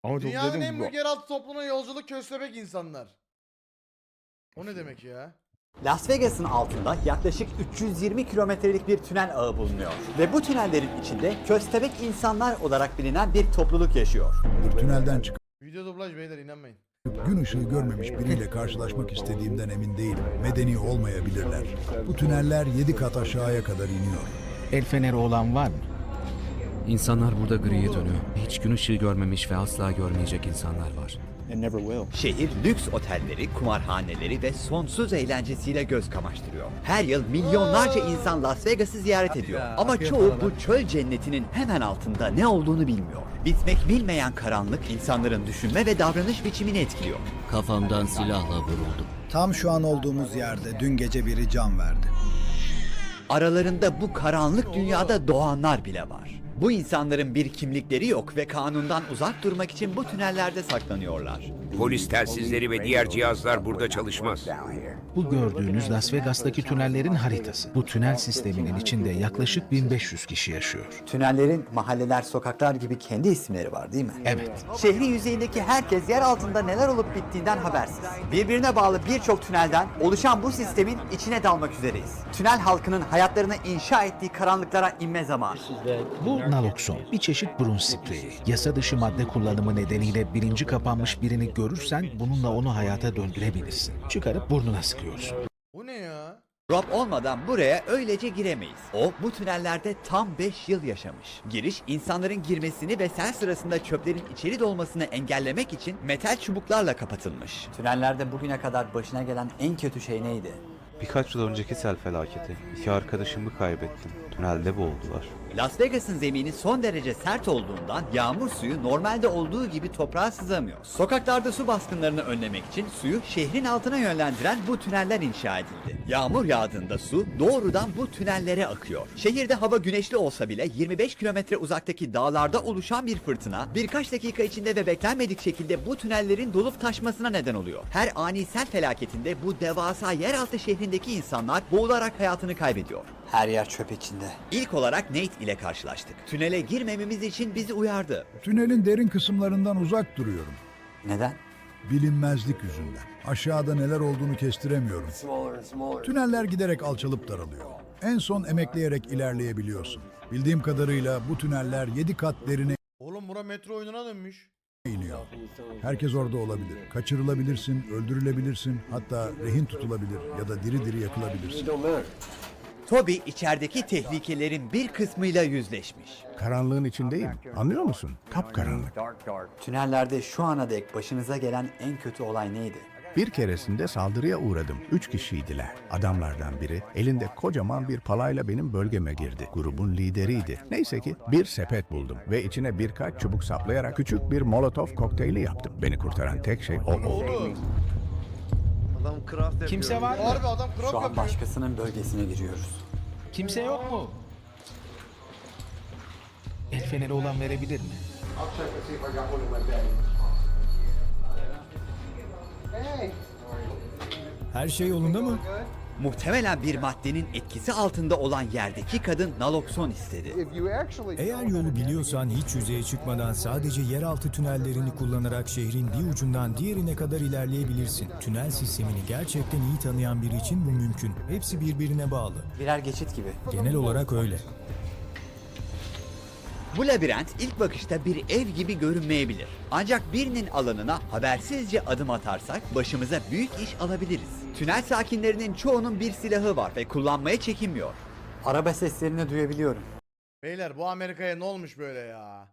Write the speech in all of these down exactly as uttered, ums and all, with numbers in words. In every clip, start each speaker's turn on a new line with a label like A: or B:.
A: Ama çok
B: Dünyanın
A: dedim
B: en
A: bu.
B: büyük yeraltı topluluğuna yolculuk köstebek insanlar. O ne demek ya?
C: Las Vegas'ın altında yaklaşık üç yüz yirmi kilometrelik bir tünel ağı bulunuyor. Ve bu tünellerin içinde köstebek insanlar olarak bilinen bir topluluk yaşıyor.
D: Tünelden çıkıp
B: Video dublaj beyler, inanmayın.
D: gün ışığı görmemiş biriyle karşılaşmak istediğimden emin değilim. Medeni olmayabilirler. Bu tüneller yedi kat aşağıya kadar iniyor.
E: El feneri olan var mı?
F: İnsanlar burada griye dönüyor. Hiç gün ışığı görmemiş ve asla görmeyecek insanlar var.
C: Şehir lüks otelleri, kumarhaneleri ve sonsuz eğlencesiyle göz kamaştırıyor. Her yıl milyonlarca insan Las Vegas'ı ziyaret ediyor. Ama çoğu bu çöl cennetinin hemen altında ne olduğunu bilmiyor. Bitmek bilmeyen karanlık insanların düşünme ve davranış biçimini etkiliyor.
F: Kafamdan silahla vuruldum.
G: Tam şu an olduğumuz yerde dün gece biri can verdi.
C: Aralarında bu karanlık dünyada doğanlar bile var. Bu insanların bir kimlikleri yok ve kanundan uzak durmak için bu tünellerde saklanıyorlar.
H: Polis telsizleri ve diğer cihazlar burada çalışmaz.
E: Bu gördüğünüz Las Vegas'taki tünellerin haritası. Bu tünel sisteminin içinde yaklaşık bin beş yüz kişi yaşıyor.
C: Tünellerin mahalleler, sokaklar gibi kendi isimleri var değil mi?
E: Evet.
C: Şehrin yüzeyindeki herkes yer altında neler olup bittiğinden habersiz. Birbirine bağlı birçok tünelden oluşan bu sistemin içine dalmak üzereyiz. Tünel halkının hayatlarını inşa ettiği karanlıklara inme zamanı.
E: Bu nalokson, bir çeşit burun spreyi. Yasa dışı madde kullanımı nedeniyle bilinci kapanmış birini görürsen bununla onu hayata döndürebilirsin. Çıkarıp burnuna sıkıyorsun.
B: Bu ne ya?
C: Rob olmadan buraya öylece giremeyiz. O bu tünellerde tam beş yıl yaşamış. Giriş insanların girmesini ve sel sırasında çöplerin içeri dolmasını engellemek için metal çubuklarla kapatılmış. Tünellerde bugüne kadar başına gelen en kötü şey neydi?
I: Birkaç yıl önceki sel felaketi. İki arkadaşımı kaybettim. Tünelde boğuldular.
C: Las Vegas'ın zemini son derece sert olduğundan yağmur suyu normalde olduğu gibi toprağa sızamıyor. Sokaklarda su baskınlarını önlemek için suyu şehrin altına yönlendiren bu tüneller inşa edildi. Yağmur yağdığında su doğrudan bu tünellere akıyor. Şehirde hava güneşli olsa bile yirmi beş kilometre uzaktaki dağlarda oluşan bir fırtına birkaç dakika içinde ve beklenmedik şekilde bu tünellerin dolup taşmasına neden oluyor. Her ani sel felaketinde bu devasa yeraltı şehrindeki insanlar boğularak hayatını kaybediyor. Her yer çöp içinde. İlk olarak Nate ile karşılaştık. Tünele girmememiz için bizi uyardı.
D: Tünelin derin kısımlarından uzak duruyorum.
C: Neden?
D: Bilinmezlik yüzünden. Aşağıda neler olduğunu kestiremiyorum. Tüneller giderek alçalıp daralıyor. En son emekleyerek ilerleyebiliyorsun. Bildiğim kadarıyla bu tüneller yedi kat derine
B: Oğlum bura metro oyununa dönmüş.
D: iniyor. Herkes orada olabilir. Kaçırılabilirsin, öldürülebilirsin, hatta rehin tutulabilir ya da diri diri yakılabilirsin.
C: Toby içerideki tehlikelerin bir kısmıyla yüzleşmiş.
A: Karanlığın içindeyim. Anlıyor musun? Kapkaranlık.
C: Tünellerde şu ana dek başınıza gelen en kötü olay neydi?
A: Bir keresinde saldırıya uğradım. Üç kişiydiler. Adamlardan biri elinde kocaman bir palayla benim bölgeme girdi. Grubun lideriydi. Neyse ki bir sepet buldum ve içine birkaç çubuk saplayarak küçük bir molotof kokteyli yaptım. Beni kurtaran tek şey o oldu.
E: Kimse var mı?
B: Harbi adam krop
C: Şu an
B: yapıyor.
C: başkasının bölgesine giriyoruz.
E: Kimse yok mu? El feneri olan verebilir mi?
G: Her şey yolunda mı?
C: Muhtemelen bir maddenin etkisi altında olan yerdeki kadın nalokson istedi.
G: Eğer yolu biliyorsan hiç yüzeye çıkmadan sadece yeraltı tünellerini kullanarak şehrin bir ucundan diğerine kadar ilerleyebilirsin. Tünel sistemini gerçekten iyi tanıyan biri için bu mümkün. Hepsi birbirine bağlı.
C: Birer geçit gibi.
G: Genel olarak öyle.
C: Bu labirent ilk bakışta bir ev gibi görünmeyebilir. Ancak birinin alanına habersizce adım atarsak başımıza büyük iş alabiliriz. Tünel sakinlerinin çoğunun bir silahı var ve kullanmaya çekinmiyor. Araba seslerini duyabiliyorum.
B: Beyler bu Amerika'ya ne olmuş böyle ya?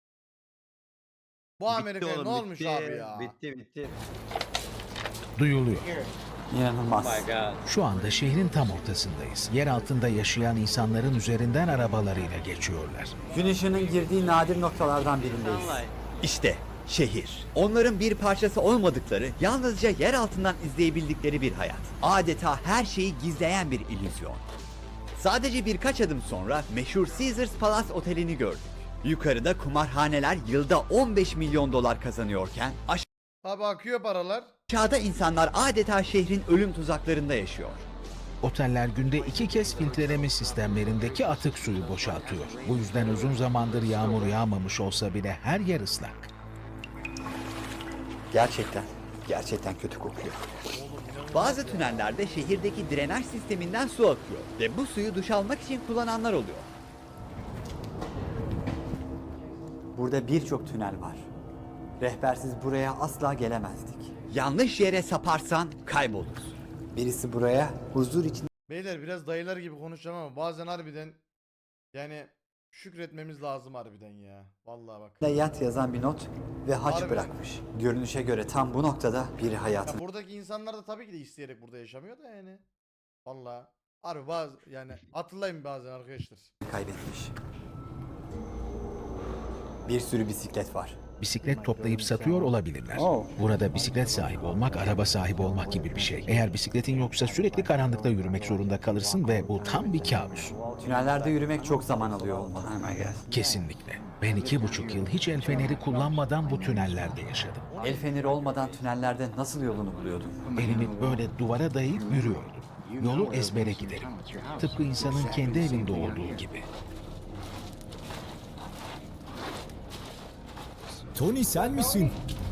B: Bu Amerika'ya ne olmuş abi ya?
E: Duyuluyor.
C: İnanılmaz.
E: Şu anda şehrin tam ortasındayız. Yer altında yaşayan insanların üzerinden arabalarıyla geçiyorlar.
C: Gün ışığının girdiği nadir noktalardan birindeyiz. İşte şehir. Onların bir parçası olmadıkları, yalnızca yer altından izleyebildikleri bir hayat. Adeta her şeyi gizleyen bir illüzyon. Sadece birkaç adım sonra meşhur Caesars Palace Oteli'ni gördük. Yukarıda kumarhaneler yılda on beş milyon dolar kazanıyorken
B: Abi akıyor paralar.
C: aşağıda insanlar adeta şehrin ölüm tuzaklarında yaşıyor.
E: Oteller günde iki kez filtreleme sistemlerindeki atık suyu boşaltıyor. Bu yüzden uzun zamandır yağmur yağmamış olsa bile her yer ıslak.
C: Gerçekten, gerçekten kötü kokuyor. Bazı tünellerde şehirdeki drenaj sisteminden su akıyor ve bu suyu duş almak için kullananlar oluyor. Burada birçok tünel var. Rehbersiz buraya asla gelemezdik. Yanlış yere saparsan kaybolursun. Birisi buraya huzur için
B: Beyler biraz dayılar gibi konuşacağım ama bazen harbiden yani şükretmemiz lazım harbiden ya. Vallahi bak.
C: de yat yazan bir not ve haç
B: Harbi.
C: bırakmış. Görünüşe göre tam bu noktada biri
B: Ya
C: hayatını
B: buradaki insanlar da tabii ki de isteyerek burada yaşamıyor da yani. Vallahi. Harbi bazı yani hatırlayın bazen arkadaşlar.
C: kaybetmiş. Bir sürü bisiklet var.
E: Bisiklet toplayıp satıyor olabilirler. Burada bisiklet sahibi olmak, araba sahibi olmak gibi bir şey. Eğer bisikletin yoksa sürekli karanlıkta yürümek zorunda kalırsın ve bu tam bir kabus.
C: Tünellerde yürümek çok zaman alıyor olmalı.
E: Kesinlikle. Ben iki buçuk yıl hiç el feneri kullanmadan bu tünellerde yaşadım.
C: El feneri olmadan tünellerde nasıl yolunu buluyordun?
E: Elimi böyle duvara dayayıp yürüyordum. Yolu ezbere giderim. Tıpkı insanın kendi evinde olduğu gibi.
G: Tony sen misin?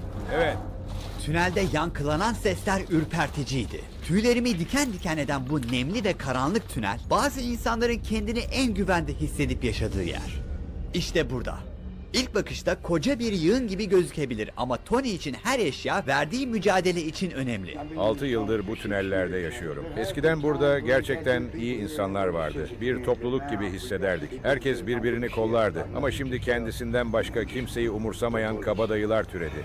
C: Tünelde yankılanan sesler ürperticiydi. Tüylerimi diken diken eden bu nemli ve karanlık tünel, bazı insanların kendini en güvende hissedip yaşadığı yer. İşte burada. İlk bakışta koca bir yığın gibi gözükebilir ama Tony için her eşya verdiği mücadele için önemli.
H: altı yıldır bu tünellerde yaşıyorum. Eskiden burada gerçekten iyi insanlar vardı. Bir topluluk gibi hissederdik. Herkes birbirini kollardı. Ama şimdi kendisinden başka kimseyi umursamayan kabadayılar türedi.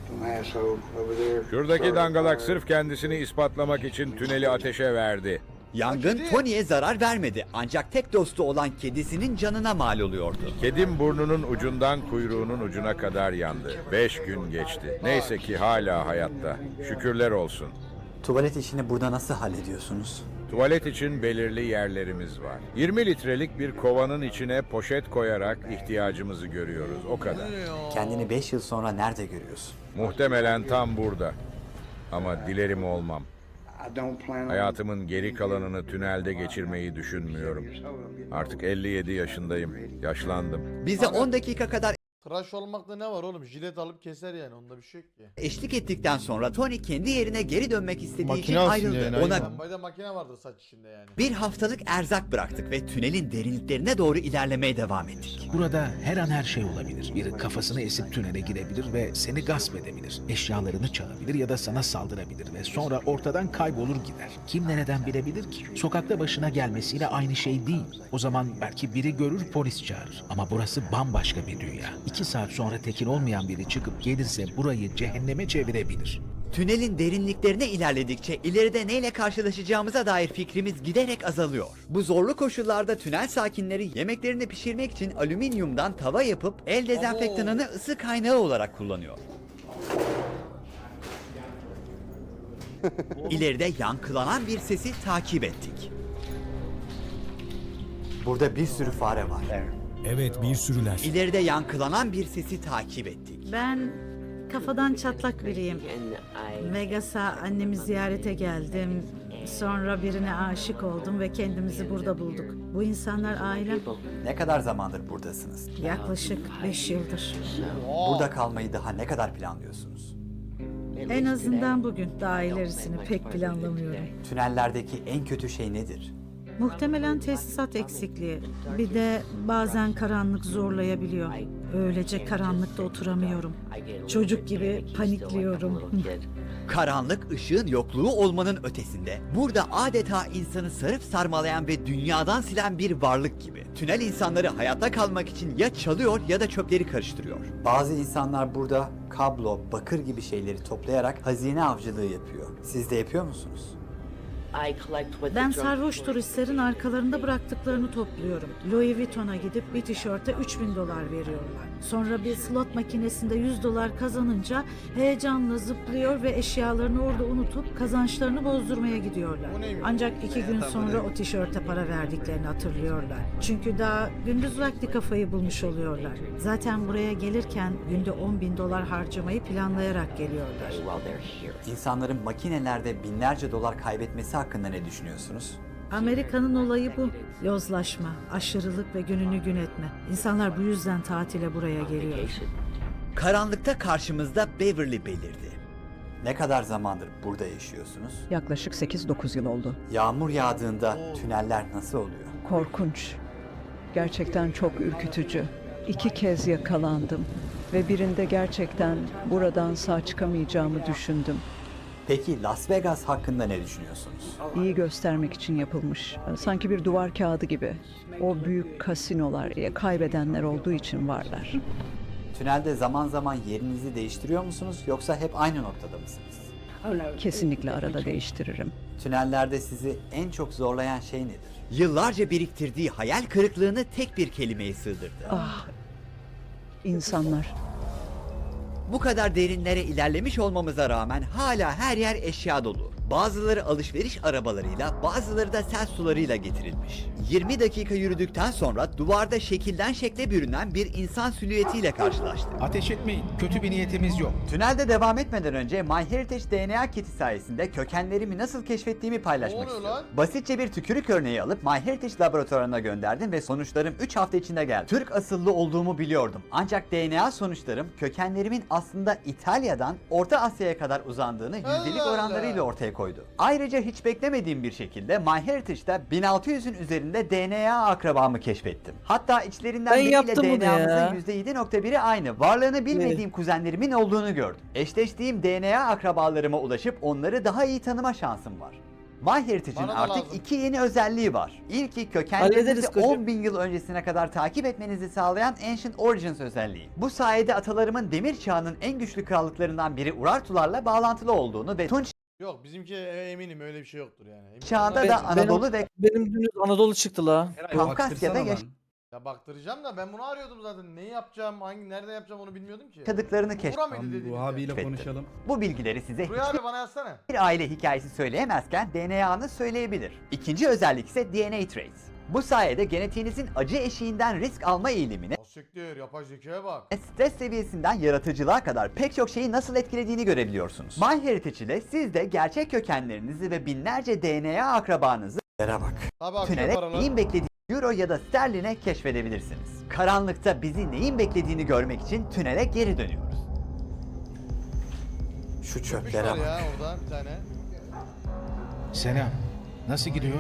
H: Şuradaki dangalak sırf kendisini ispatlamak için tüneli ateşe verdi.
C: Yangın Tony'ye zarar vermedi ancak tek dostu olan kedisinin canına mal oluyordu.
H: Kedim burnunun ucundan kuyruğunun ucuna kadar yandı. Beş gün geçti. Neyse ki hala hayatta. Şükürler olsun.
C: Tuvalet işini burada nasıl hallediyorsunuz?
H: Tuvalet için belirli yerlerimiz var. yirmi litrelik bir kovanın içine poşet koyarak ihtiyacımızı görüyoruz. O kadar.
C: Kendini beş yıl sonra nerede görüyorsun?
H: Muhtemelen tam burada. Ama dilerim olmam. Hayatımın geri kalanını tünelde geçirmeyi düşünmüyorum. Artık elli yedi yaşındayım. Yaşlandım.
C: Bize on dakika kadar
B: Tıraş olmakta ne var oğlum? Jilet alıp keser yani, onda bir şey yok ki.
C: eşlik ettikten sonra Tony kendi yerine geri dönmek istediği
B: Makine
C: için
B: alsın
C: ayrıldı.
B: yani,
C: Ona
B: aynen. Lambayda makine vardır saç içinde yani.
C: bir haftalık erzak bıraktık ve tünelin derinliklerine doğru ilerlemeye devam ettik.
E: Burada her an her şey olabilir. Biri kafasını esip tünele girebilir ve seni gasp edebilir. Eşyalarını çalabilir ya da sana saldırabilir ve sonra ortadan kaybolur gider. Kim nereden bilebilir ki? Sokakta başına gelmesiyle aynı şey değil. O zaman belki biri görür, polis çağırır. Ama burası bambaşka bir dünya. İki saat sonra tekin olmayan biri çıkıp gelirse burayı cehenneme çevirebilir.
C: Tünelin derinliklerine ilerledikçe ileride neyle karşılaşacağımıza dair fikrimiz giderek azalıyor. Bu zorlu koşullarda tünel sakinleri yemeklerini pişirmek için alüminyumdan tava yapıp el dezenfektanını ısı kaynağı olarak kullanıyor. İleride yankılanan bir sesi takip ettik. Burada bir sürü fare var.
G: Evet, bir sürüler.
C: İleride yankılanan bir sesi takip ettik.
J: Ben kafadan çatlak biriyim. Vegas'a annemi ziyarete geldim. Sonra birine aşık oldum ve kendimizi burada bulduk. Bu insanlar ailem.
C: Ne kadar zamandır buradasınız?
J: Yaklaşık beş yıldır.
C: Burada kalmayı daha ne kadar planlıyorsunuz?
J: En azından bugün, daha ilerisini pek planlamıyorum.
C: Tünellerdeki en kötü şey nedir?
J: Muhtemelen tesisat eksikliği. Bir de bazen karanlık zorlayabiliyor. Öylece karanlıkta oturamıyorum. Çocuk gibi panikliyorum.
C: Karanlık ışığın yokluğu olmanın ötesinde burada adeta insanı sarıp sarmalayan ve dünyadan silen bir varlık gibi. Tünel insanları hayatta kalmak için ya çalıyor ya da çöpleri karıştırıyor. Bazı insanlar burada kablo, bakır gibi şeyleri toplayarak hazine avcılığı yapıyor. Siz de yapıyor musunuz?
J: Ben sarhoş turistlerin arkalarında bıraktıklarını topluyorum. Louis Vuitton'a gidip bir tişörte üç bin dolar veriyorlar. Sonra bir slot makinesinde yüz dolar kazanınca heyecanla zıplıyor ve eşyalarını orada unutup kazançlarını bozdurmaya gidiyorlar. Ancak iki gün sonra o tişörte para verdiklerini hatırlıyorlar. Çünkü daha gündüz vakti kafayı bulmuş oluyorlar. Zaten buraya gelirken günde on bin dolar harcamayı planlayarak geliyorlar.
C: İnsanların makinelerde binlerce dolar kaybetmesi hakkında ne düşünüyorsunuz?
J: Amerika'nın olayı bu. Yozlaşma, aşırılık ve gününü gün etme. İnsanlar bu yüzden tatile buraya geliyor.
C: Karanlıkta karşımızda Beverly belirdi. Ne kadar zamandır burada yaşıyorsunuz?
K: Yaklaşık sekiz dokuz yıl oldu.
C: Yağmur yağdığında tüneller nasıl oluyor?
K: Korkunç. Gerçekten çok ürkütücü. İki kez yakalandım ve birinde gerçekten buradan sağ çıkamayacağımı düşündüm.
C: Peki Las Vegas hakkında ne düşünüyorsunuz?
K: İyi göstermek için yapılmış. Sanki bir duvar kağıdı gibi. O büyük kasinolar, ya kaybedenler olduğu için varlar.
C: Tünelde zaman zaman yerinizi değiştiriyor musunuz yoksa hep aynı noktada mısınız?
K: Kesinlikle arada değiştiririm.
C: Tünellerde sizi en çok zorlayan şey nedir? Yıllarca biriktirdiği hayal kırıklığını tek bir kelimeye sığdırdı.
K: Ah, insanlar.
C: Bu kadar derinlere ilerlemiş olmamıza rağmen hala her yer eşya dolu. Bazıları alışveriş arabalarıyla, bazıları da sel sularıyla getirilmiş. yirmi dakika yürüdükten sonra duvarda şekilden şekle bürünen bir insan silüetiyle karşılaştık.
E: Ateş etmeyin. Kötü bir niyetimiz yok.
C: Tünelde devam etmeden önce MyHeritage D N A kiti sayesinde kökenlerimi nasıl keşfettiğimi paylaşmak
B: Ne oluyor
C: istiyorum.
B: lan?
C: Basitçe bir tükürük örneği alıp MyHeritage laboratuvarına gönderdim ve sonuçlarım üç hafta içinde geldi. Türk asıllı olduğumu biliyordum. Ancak D N A sonuçlarım kökenlerimin aslında İtalya'dan Orta Asya'ya kadar uzandığını yüzdelik
B: Allah
C: oranlarıyla
B: Allah.
C: ortaya koydu. Ayrıca hiç beklemediğim bir şekilde MyHeritage'da bin altı yüzün üzerinde D N A akrabamı keşfettim. Hatta içlerinden
L: Ben
C: biriyle
L: yaptım bunu
C: D N A'mızın
L: ya.
C: yüzde yedi nokta biri aynı. Varlığını bilmediğim kuzenlerimin olduğunu gördüm. Eşleştiğim D N A akrabalarıma ulaşıp onları daha iyi tanıma şansım var. MyHeritage'in
B: Bana da
C: artık
B: lazım.
C: iki yeni özelliği var. İlki
L: Hallederiz
C: kökenlerinizi
L: kocam.
C: on bin yıl öncesine kadar takip etmenizi sağlayan Ancient Origins özelliği. Bu sayede atalarımın demir çağının en güçlü krallıklarından biri Urartularla bağlantılı olduğunu ve Tunç
B: Yok bizimki e, eminim öyle bir şey yoktur yani. Emin-
C: çağında
L: Ben-
C: da
L: benim-
C: Anadolu ve
L: Benim dünüz Anadolu çıktı la.
C: Kafkasya'da yaş-
B: Ya baktıracağım da ben bunu arıyordum zaten. Neyi yapacağım, hangi nerede yapacağım onu bilmiyordum ki.
C: yaşadıklarını keşfettim.
B: Bura mıydı dediğinizde?
F: konuşalım.
C: Bu bilgileri size
B: Buraya abi bana yazsana.
C: hiçbir aile hikayesi söyleyemezken D N A'nı söyleyebilir. İkinci özellik ise D N A Trace. Bu sayede genetiğinizin acı eşiğinden risk alma eğilimini,
B: O siktir, yapay zekaya bak.
C: stres seviyesinden yaratıcılığa kadar pek çok şeyi nasıl etkilediğini görebiliyorsunuz. MyHeritage ile siz de gerçek kökenlerinizi ve binlerce D N A akrabanızı yere bak.
B: Tabii akıyor
C: Tünele
B: paralar.
C: neyin beklediğini euro ya da sterline keşfedebilirsiniz. Karanlıkta bizi neyin beklediğini görmek için tünele geri dönüyoruz. Şu
B: Köpüş
C: çöplere
B: var
C: bak.
B: ya orada bir tane.
E: Selam. Nasıl gidiyor?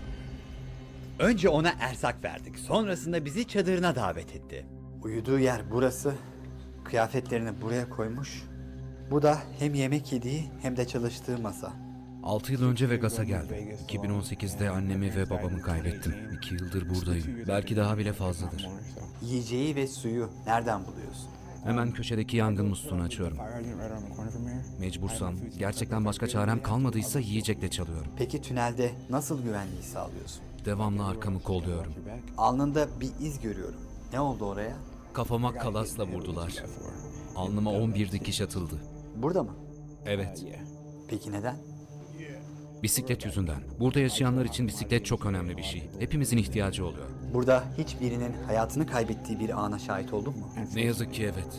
C: Önce ona erzak verdik. Sonrasında bizi çadırına davet etti. Uyuduğu yer burası. Kıyafetlerini buraya koymuş. Bu da hem yemek yediği hem de çalıştığı masa.
F: altı yıl önce Vegas'a geldim. iki bin on sekizde annemi ve babamı kaybettim. iki yıldır buradayım. Belki daha bile fazladır.
C: Yiyeceği ve suyu nereden buluyorsun?
F: Hemen köşedeki yangın musluğunu açıyorum. Mecbursam, gerçekten başka çarem kalmadıysa yiyecekle çalıyorum.
C: Peki tünelde nasıl güvenliği sağlıyorsun?
F: Devamlı arkamı kolluyorum.
C: Alnında bir iz görüyorum. Ne oldu oraya?
F: Kafama kalasla vurdular. Alnıma on bir dikiş atıldı.
C: Burada mı?
F: Evet,
C: Peki neden?
F: bisiklet yüzünden. Burada yaşayanlar için bisiklet çok önemli bir şey. Hepimizin ihtiyacı oluyor.
C: Burada hiçbirinin hayatını kaybettiği bir ana şahit oldun mu?
F: Ne yazık ki evet.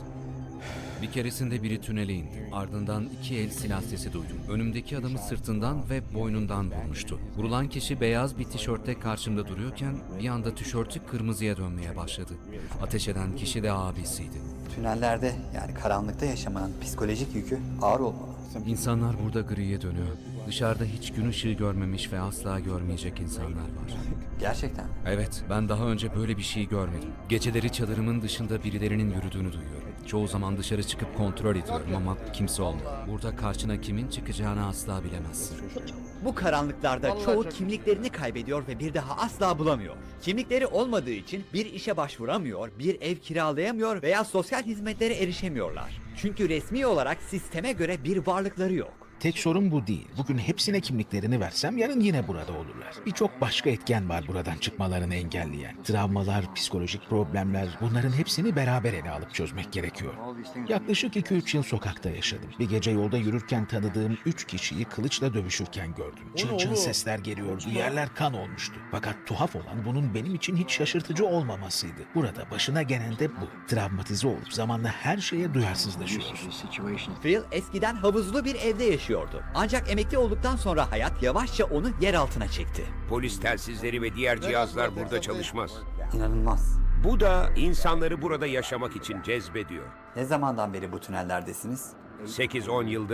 F: Bir keresinde biri tünele indi. Ardından iki el silah sesi duydum. Önümdeki adamı sırtından ve boynundan vurmuştu. Vurulan kişi beyaz bir tişörtte karşımda duruyorken bir anda tişörtü kırmızıya dönmeye başladı. Ateş eden kişi de abisiydi.
C: Tünellerde yani karanlıkta yaşamanın psikolojik yükü ağır olmalı.
F: İnsanlar burada griye dönüyor. Dışarıda hiç gün ışığı görmemiş ve asla görmeyecek insanlar var.
C: Gerçekten.
F: Evet, ben daha önce böyle bir şey görmedim. Geceleri çadırımın dışında birilerinin yürüdüğünü duyuyorum. Çoğu zaman dışarı çıkıp kontrol ediyorum ama kimse olmuyor. Burada karşına kimin çıkacağını asla bilemezsin.
C: Bu karanlıklarda
B: Vallahi
C: çoğu
B: çok-
C: kimliklerini kaybediyor ve bir daha asla bulamıyor. Kimlikleri olmadığı için bir işe başvuramıyor, bir ev kiralayamıyor veya sosyal hizmetlere erişemiyorlar. Çünkü resmi olarak sisteme göre bir varlıkları yok.
E: Tek sorun bu değil. Bugün hepsine kimliklerini versem yarın yine burada olurlar. Birçok başka etken var buradan çıkmalarını engelleyen. Travmalar, psikolojik problemler, bunların hepsini beraber ele alıp çözmek gerekiyor. Yaklaşık iki üç yıl sokakta yaşadım. Bir gece yolda yürürken tanıdığım üç kişiyi kılıçla dövüşürken gördüm. Çın çın
B: oğlum?
E: sesler geliyordu, yerler kan olmuştu. Fakat tuhaf olan bunun benim için hiç şaşırtıcı olmamasıydı. Burada başına gelen de bu. Travmatize olup zamanla her şeye duyarsızlaşıyoruz.
C: Phil eskiden havuzlu bir evde yaşıyordu. Ancak emekli olduktan sonra hayat yavaşça onu yer altına çekti.
M: Polis telsizleri ve diğer cihazlar burada çalışmaz.
C: İnanılmaz.
M: Bu da insanları burada yaşamak için cezbediyor.
C: Ne zamandan beri bu tünellerdesiniz?
M: sekiz on yıldır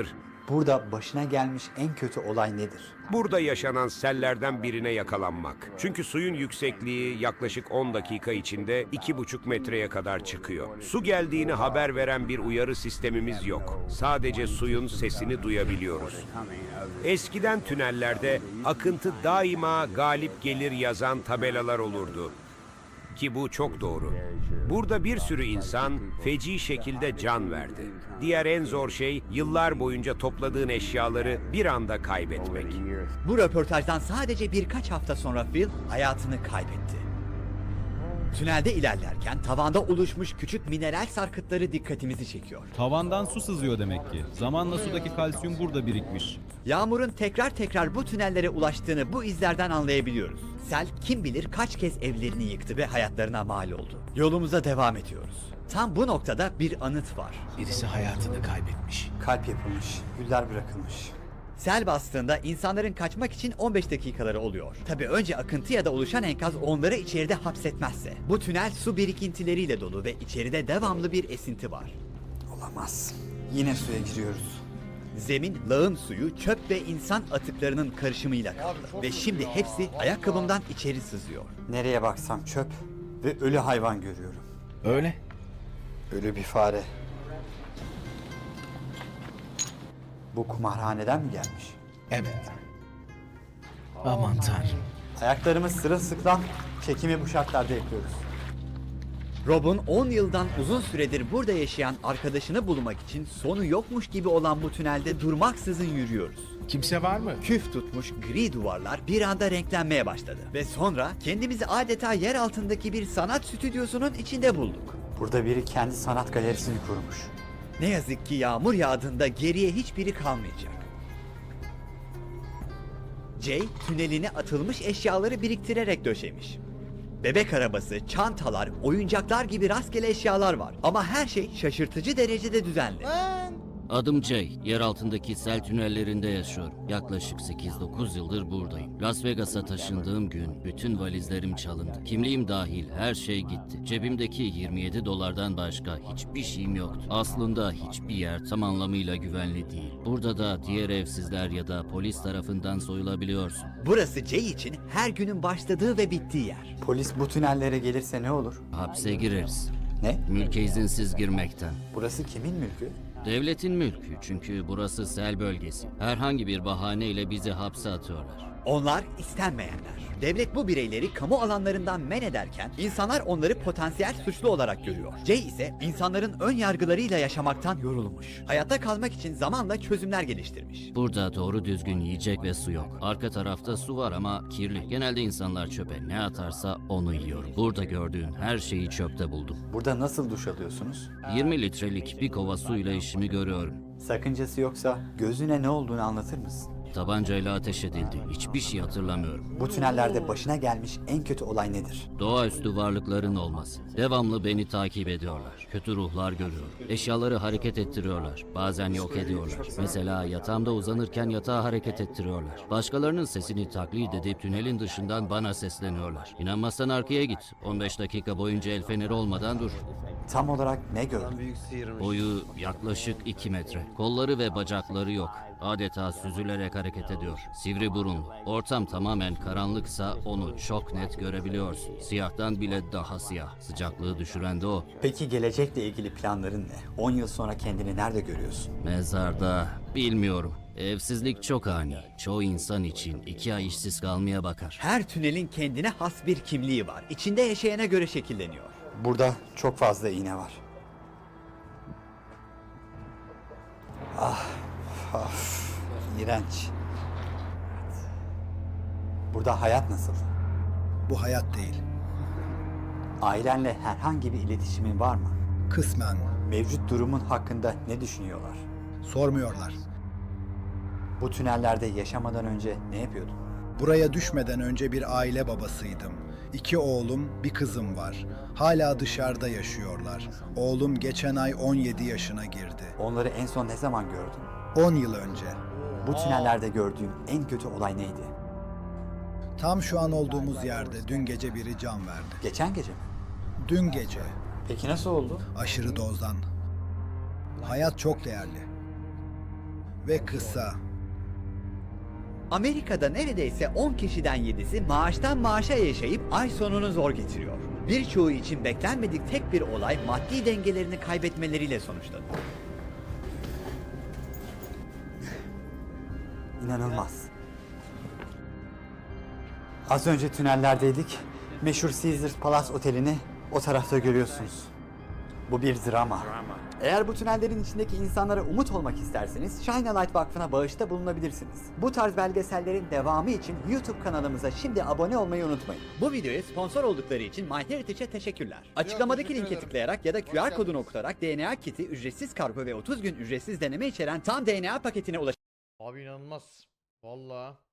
C: Burada başına gelmiş en kötü olay nedir?
M: Burada yaşanan sellerden birine yakalanmak. Çünkü suyun yüksekliği yaklaşık on dakika içinde iki buçuk metreye kadar çıkıyor. Su geldiğini haber veren bir uyarı sistemimiz yok. Sadece suyun sesini duyabiliyoruz. Eskiden tünellerde akıntı daima galip gelir yazan tabelalar olurdu. Ki bu çok doğru. Burada bir sürü insan feci şekilde can verdi. Diğer en zor şey yıllar boyunca topladığın eşyaları bir anda kaybetmek.
C: Bu röportajdan sadece birkaç hafta sonra Phil hayatını kaybetti. Tünelde ilerlerken tavanda oluşmuş küçük mineral sarkıtları dikkatimizi çekiyor.
N: Tavandan su sızıyor demek ki. Zamanla sudaki kalsiyum burada birikmiş.
C: Yağmurun tekrar tekrar bu tünellere ulaştığını bu izlerden anlayabiliyoruz. Sel kim bilir kaç kez evlerini yıktı ve hayatlarına mal oldu. Yolumuza devam ediyoruz. Tam bu noktada bir anıt var.
E: Birisi hayatını kaybetmiş.
C: Kalp yapılmış, güller bırakılmış. Sel bastığında insanların kaçmak için on beş dakikaları oluyor. Tabii önce akıntı ya da oluşan enkaz onları içeride hapsetmezse. Bu tünel su birikintileriyle dolu ve içeride devamlı bir esinti var. Olamaz. Yine suya giriyoruz. Zemin, lağım suyu, çöp ve insan atıklarının karışımıyla kaplı. Ve şimdi hepsi ayakkabımdan içeri sızıyor. Nereye baksam çöp ve ölü hayvan görüyorum.
E: Öyle.
C: Ölü bir fare. Bu kumarhaneden mi gelmiş?
E: Evet. Aman tanrım.
C: Ayaklarımız sırılsıklam, çekimi bu şartlarda yapıyoruz. Rob'un on yıldan uzun süredir burada yaşayan arkadaşını bulmak için sonu yokmuş gibi olan bu tünelde durmaksızın yürüyoruz.
E: Kimse var mı?
C: Küf tutmuş gri duvarlar bir anda renklenmeye başladı. Ve sonra kendimizi adeta yer altındaki bir sanat stüdyosunun içinde bulduk. Burada biri kendi sanat galerisini kurmuş. Ne yazık ki yağmur yağdığında geriye hiçbiri kalmayacak. Jay, tüneline atılmış eşyaları biriktirerek döşemiş. Bebek arabası, çantalar, oyuncaklar gibi rastgele eşyalar var. Ama her şey şaşırtıcı derecede düzenli.
O: Adım Jay. Yer altındaki sel tünellerinde yaşıyorum. Yaklaşık sekiz dokuz yıldır buradayım. Las Vegas'a taşındığım gün bütün valizlerim çalındı. Kimliğim dahil her şey gitti. Cebimdeki yirmi yedi dolardan başka hiçbir şeyim yoktu. Aslında hiçbir yer tam anlamıyla güvenli değil. Burada da diğer evsizler ya da polis tarafından soyulabiliyorsun.
C: Burası Jay için her günün başladığı ve bittiği yer. Polis bu tünellere gelirse ne olur?
O: Hapse gireriz.
C: Ne?
O: Mülke izinsiz girmekten.
C: Burası kimin mülkü?
O: Devletin mülkü, çünkü burası sel bölgesi. Herhangi bir bahaneyle bizi hapse atıyorlar.
C: Onlar istenmeyenler. Devlet bu bireyleri kamu alanlarından men ederken insanlar onları potansiyel suçlu olarak görüyor. Jay ise insanların ön yargılarıyla yaşamaktan yorulmuş. Hayatta kalmak için zamanla çözümler geliştirmiş.
O: Burada doğru düzgün yiyecek ve su yok. Arka tarafta su var ama kirli. Genelde insanlar çöpe ne atarsa onu yiyor. Burada gördüğün her şeyi çöpte buldum.
C: Burada nasıl duş alıyorsunuz?
O: yirmi litrelik bir kova suyla işimi görüyorum.
C: Sakıncası yoksa gözüne ne olduğunu anlatır mısın?
O: Tabancayla ateş edildi. Hiçbir şey hatırlamıyorum.
C: Bu tünellerde başına gelmiş en kötü olay nedir?
O: Doğaüstü varlıkların olması. Devamlı beni takip ediyorlar. Kötü ruhlar görüyorum. Eşyaları hareket ettiriyorlar. Bazen yok ediyorlar. Mesela yatağımda uzanırken yatağı hareket ettiriyorlar. Başkalarının sesini taklit edip tünelin dışından bana sesleniyorlar. İnanmazsan arkaya git. on beş dakika boyunca el feneri olmadan dur.
C: Tam olarak ne gördün?
O: Boyu yaklaşık iki metre. Kolları ve bacakları yok. Adeta süzülerek hareket ediyor. Sivri burunlu. Ortam tamamen karanlıksa onu çok net görebiliyorsun. Siyahtan bile daha siyah. Sıcaklığı düşüren de o.
C: Peki gelecekle ilgili planların ne? on yıl sonra kendini nerede görüyorsun?
O: Mezarda bilmiyorum. Evsizlik çok ani. Çoğu insan için iki ay işsiz kalmaya bakar.
C: Her tünelin kendine has bir kimliği var. İçinde yaşayana göre şekilleniyor. Burada çok fazla iğne var. Ah, of, iğrenç. Burada hayat nasıl?
D: Bu hayat değil.
C: Ailenle herhangi bir iletişimin var mı?
D: Kısmen.
C: Mevcut durumun hakkında ne düşünüyorlar?
D: Sormuyorlar.
C: Bu tünellerde yaşamadan önce ne yapıyordun?
D: Buraya düşmeden önce bir aile babasıydım. İki oğlum, bir kızım var. Hala dışarıda yaşıyorlar. Oğlum geçen ay on yedi yaşına girdi.
C: Onları en son ne zaman gördün?
D: on yıl önce.
C: Bu tünellerde gördüğün en kötü olay neydi?
D: Tam şu an olduğumuz yerde dün gece biri can verdi.
C: Geçen gece mi?
D: Dün gece.
C: Peki nasıl oldu?
D: Aşırı dozdan. Hayat çok değerli.
P: ve kısa.
C: Amerika'da neredeyse on kişiden yedisi maaştan maaşa yaşayıp ay sonunu zor getiriyor. Birçoğu için beklenmedik tek bir olay maddi dengelerini kaybetmeleriyle sonuçlanıyor.
Q: İnanılmaz. Az önce tünellerdeydik. Meşhur Caesars Palace Oteli'ni o tarafta görüyorsunuz. Bu bir drama. Eğer bu tünellerin içindeki insanlara umut olmak isterseniz Shine a Light Vakfı'na bağışta bulunabilirsiniz. Bu tarz belgesellerin devamı için YouTube kanalımıza şimdi abone olmayı unutmayın. Bu videoya sponsor oldukları için MyHeritage'e teşekkürler. Açıklamadaki
B: teşekkür
Q: linke
B: ederim.
Q: tıklayarak ya da
B: Hoş
Q: Q R kodunu
B: geldiniz.
Q: okutarak D N A kiti, ücretsiz kargo ve otuz gün ücretsiz deneme içeren tam D N A paketine ulaşabilirsiniz.
B: Abi inanılmaz. Vallahi.